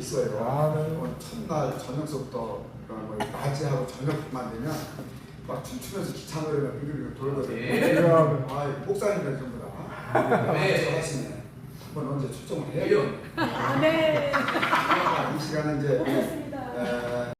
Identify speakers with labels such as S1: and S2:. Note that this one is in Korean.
S1: 있어요.
S2: 아, 네.
S1: 첫날 저녁서부터 뭐 낮에하고 저녁만 되면 막 춤추면서 기차 노래가 빙글빙글 돌거든요.
S2: 네.
S1: 아, 목사님들 전부 다.
S3: 네.
S1: 하시네. 한번 언제 출정을 해야죠.
S4: 아, 네.
S1: 이 시간은 이제
S4: 고맙습니다.